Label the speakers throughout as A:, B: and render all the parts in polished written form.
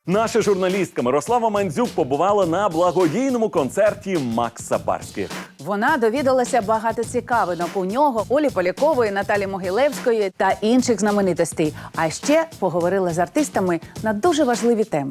A: Наша журналістка Мирослава Мандзюк побувала на благодійному концерті Макса Барських.
B: Вона довідалася багато цікавинок у нього, Олі Полякової, Наталі Могилевської та інших знаменитостей. А ще поговорила з артистами на дуже важливі теми.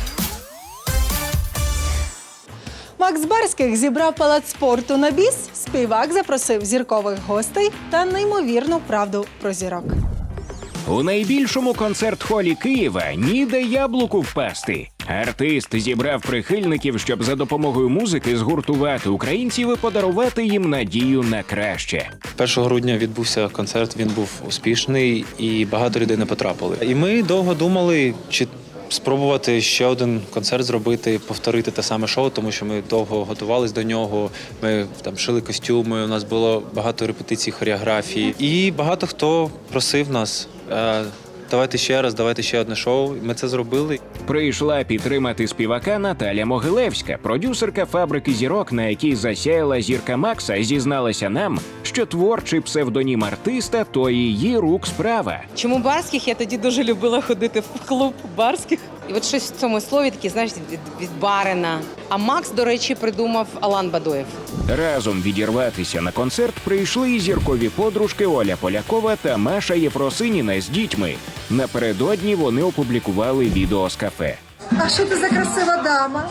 C: Макс Барських зібрав палац спорту на біс, співак запросив зіркових гостей та неймовірну правду про зірок.
D: У найбільшому концерт-холі Києва ніде яблуку впасти. Артист зібрав прихильників, щоб за допомогою музики згуртувати українців і подарувати їм надію на краще.
E: 1 грудня відбувся концерт, він був успішний і багато людей не потрапили. І ми довго думали, чи спробувати ще один концерт зробити, повторити те саме шоу, тому що ми довго готувалися до нього, ми там шили костюми, у нас було багато репетицій, хореографії. І багато хто просив нас, давайте ще одне шоу. Ми це зробили.
D: Прийшла підтримати співака Наталя Могилевська, продюсерка «Фабрики зірок», на якій засяяла зірка Макса, зізналася нам, що творчий псевдонім артиста – то її рук справа.
F: Чому Барських? Я тоді дуже любила ходити в клуб Барських. І от щось в цьому слові таке, знаєш, від барина. А Макс, до речі, придумав Алан Бадоєв.
D: Разом відірватися на концерт прийшли і зіркові подружки Оля Полякова та Маша Єфросиніна з дітьми. Напередодні вони опублікували відео з кафе.
G: А що це за красива дама?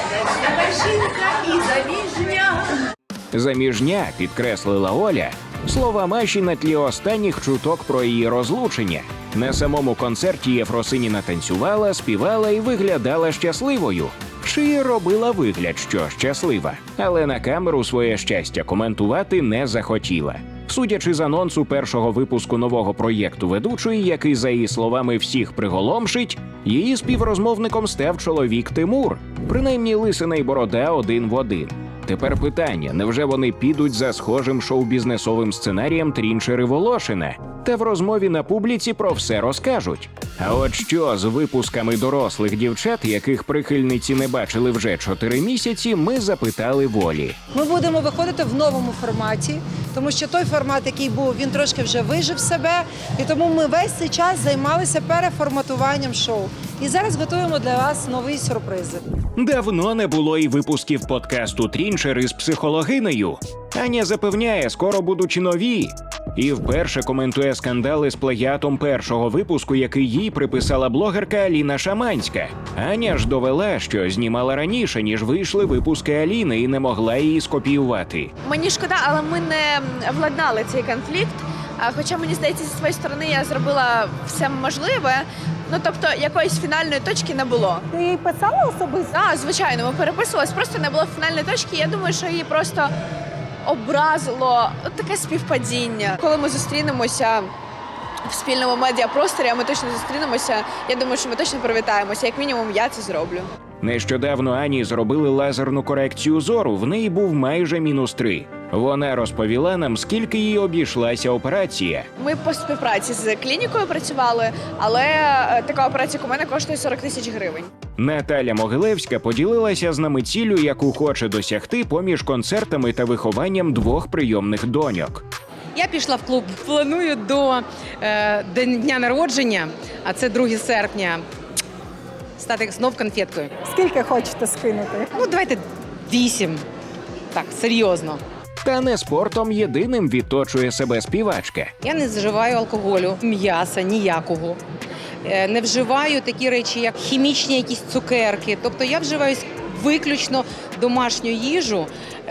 H: Жінка і заміжня.
D: Заміжня, підкреслила Оля, слова Маші на тлі останніх чуток про її розлучення. На самому концерті Єфросиніна танцювала, співала і виглядала щасливою. Чи робила вигляд, що щаслива. Але на камеру своє щастя коментувати не захотіла. Судячи з анонсу першого випуску нового проєкту ведучої, який, за її словами, всіх приголомшить, її співрозмовником став чоловік Тимур. Принаймні лисина й борода один в один. Тепер питання, невже вони підуть за схожим шоу-бізнесовим сценарієм Трінчер і Волошина? Та в розмові на публіці про все розкажуть. А от що з випусками дорослих дівчат, яких прихильниці не бачили вже 4 місяці, ми запитали Волі.
C: Ми будемо виходити в новому форматі, тому що той формат, який був, він трошки вже вижив себе, і тому ми весь цей час займалися переформатуванням шоу. І зараз готуємо для вас нові сюрпризи.
D: Давно не було і випусків подкасту «Трінчер» із психологинею. Аня запевняє, скоро будуть і нові. І вперше коментує скандали з плагіатом першого випуску, який їй приписала блогерка Аліна Шаманська. Аня ж довела, що знімала раніше, ніж вийшли випуски Аліни, і не могла її скопіювати.
H: Мені шкода, але ми не владнали цей конфлікт. Хоча, мені здається, зі своєї сторони я зробила все можливе. Ну, тобто, якоїсь фінальної точки не було.
C: Ти їй писала особисто?
H: Так, звичайно, ми переписувались, просто не було фінальної точки. Я думаю, що її просто образило таке співпадіння. Коли ми зустрінемося в спільному медіапросторі, а ми точно зустрінемося, я думаю, що ми точно привітаємося. Як мінімум, я це зроблю.
D: Нещодавно Ані зробили лазерну корекцію зору, в неї був майже -3. Вона розповіла нам, скільки їй обійшлася операція.
H: Ми по співпраці з клінікою працювали, але така операція у мене коштує 40 тисяч гривень.
D: Наталя Могилевська поділилася з нами ціллю, яку хоче досягти поміж концертами та вихованням 2 прийомних доньок.
F: Я пішла в клуб. Планую до дня народження, а це 2 серпня, стати знов конфеткою.
C: Скільки хочете скинути?
F: Ну, давайте 8. Так, серйозно.
D: Та не спортом єдиним відточує себе співачка.
F: Я не вживаю алкоголю, м'яса ніякого. Не вживаю такі речі, як хімічні якісь цукерки. Тобто я вживаю виключно домашню їжу,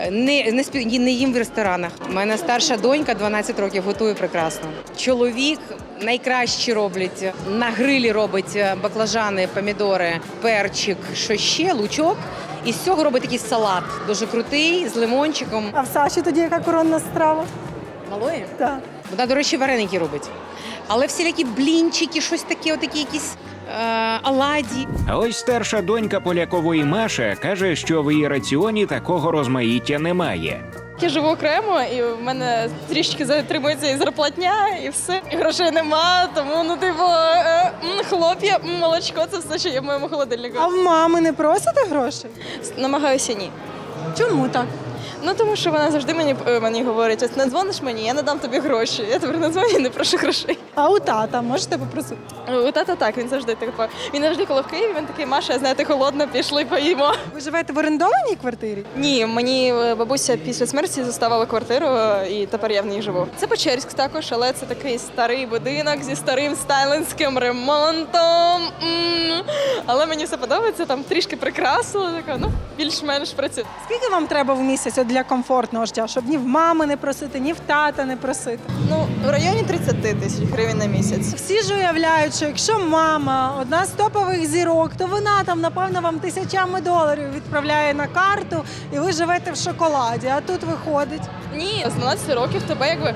F: не їм в ресторанах. У мене старша донька 12 років готує прекрасно. Чоловік найкраще роблять. На грилі робить баклажани, помідори, перчик, що ще, лучок. І з цього робить такий салат, дуже крутий, з лимончиком.
C: А в Саші тоді яка коронна страва?
F: Малої?
C: Так.
F: Вона, до речі, вареники робить. Але всілякі блінчики, щось таке, отакі якісь оладі.
D: А ось старша донька Полякової Маша каже, що в її раціоні такого розмаїття немає.
I: Я живу окремо, і в мене трішки затримується і зарплатня, і все. І грошей нема, тому, хлоп'я, молочко – це все, що є в моєму холодильнику.
C: А в мами не просите грошей?
I: Намагаюся ні.
C: Чому так?
I: Ну, тому що вона завжди мені говорить, ось не дзвониш мені, я не дам тобі гроші. Я тепер не дзвоню і не прошу грошей.
G: А у тата можете попросити?
I: У тата так, він завжди так. Він завжди, коли в Києві, він такий: Маша, знаєте, холодно, пішли поїмо.
G: Ви живете в орендованій квартирі?
I: Ні, мені бабуся після смерті заставила квартиру, і тепер я в ній живу. Це Печерськ також, але це такий старий будинок зі старим сталінським ремонтом. Але мені все подобається, там трішки прикрасило, така, ну, більш-менш працює.
G: Скільки вам треба в місяць для комфортного життя, щоб ні в мами не просити, ні в тата не просити?
I: Ну, в районі 30 тисяч гривень на місяць.
G: Всі ж уявляють, що якщо мама одна з топових зірок, то вона там, напевно, вам тисячами доларів відправляє на карту, і ви живете в шоколаді. А тут виходить.
I: Ні, з 12 років тебе якби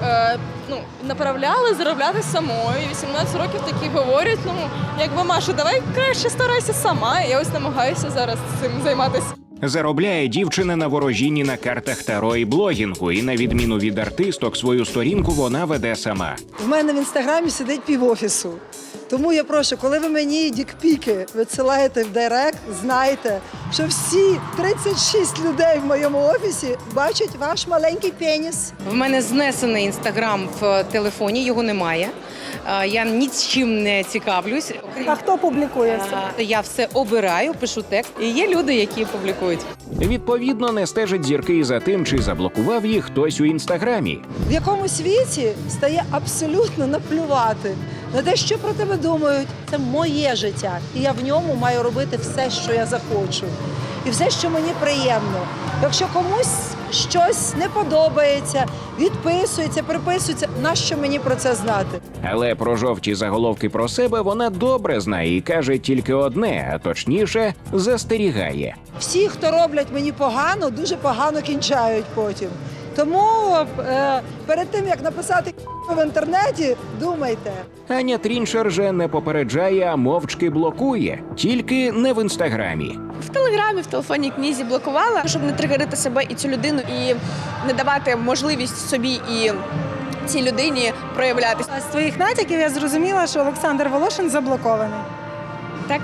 I: направляли заробляти самою. І 18 років такі говорять, ну, якби, Маша, давай краще старайся сама. І я ось намагаюся зараз цим займатися.
D: Заробляє дівчина на ворожінні на картах таро і блогінгу, і на відміну від артисток, свою сторінку вона веде сама.
J: В мене в інстаграмі сидить півофісу. Тому я прошу, коли ви мені дікпіки відсилаєте в директ, знайте, що всі 36 людей в моєму офісі бачать ваш маленький пеніс.
F: В мене знесений інстаграм в телефоні, його немає. Я нічим не цікавлюсь.
G: А хто публікує все?
F: Я все обираю, пишу текст. І є люди, які публікують.
D: Відповідно, не стежить зірки і за тим, чи заблокував їх хтось у інстаграмі.
J: В якому світі стає абсолютно наплювати на те, що про тебе думають. Це моє життя, і я в ньому маю робити все, що я захочу. І все, що мені приємно. Якщо комусь щось не подобається, відписується, приписується, нащо мені про це знати?
D: Але про жовті заголовки про себе вона добре знає і каже тільки одне, а точніше, застерігає.
J: Всі, хто роблять мені погано, дуже погано кінчають потім. Тому перед тим, як написати в інтернеті, думайте.
D: Аня Трінчер же не попереджає, а мовчки блокує. Тільки не в інстаграмі.
H: В телеграмі, в телефонній книзі блокувала, щоб не тригерити себе і цю людину, і не давати можливість собі і цій людині проявлятися.
G: А з твоїх натяків я зрозуміла, що Олександр Волошин заблокований.
H: Так?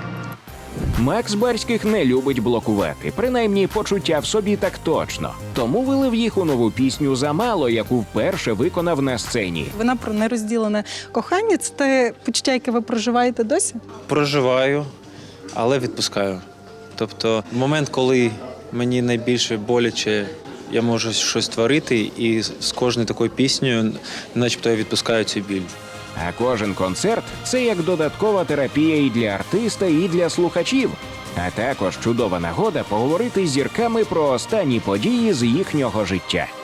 D: Макс Барських не любить блокувати, принаймні почуття в собі так точно. Тому вилив їх у нову пісню «Замало», яку вперше виконав на сцені.
G: Вона про нерозділене кохання. Це те почуття, яке ви проживаєте досі?
E: Проживаю, але відпускаю. Тобто момент, коли мені найбільше боляче, я можу щось творити, і з кожною такою піснею начебто я відпускаю цю біль.
D: А кожен концерт – це як додаткова терапія і для артиста, і для слухачів. А також чудова нагода поговорити з зірками про останні події з їхнього життя.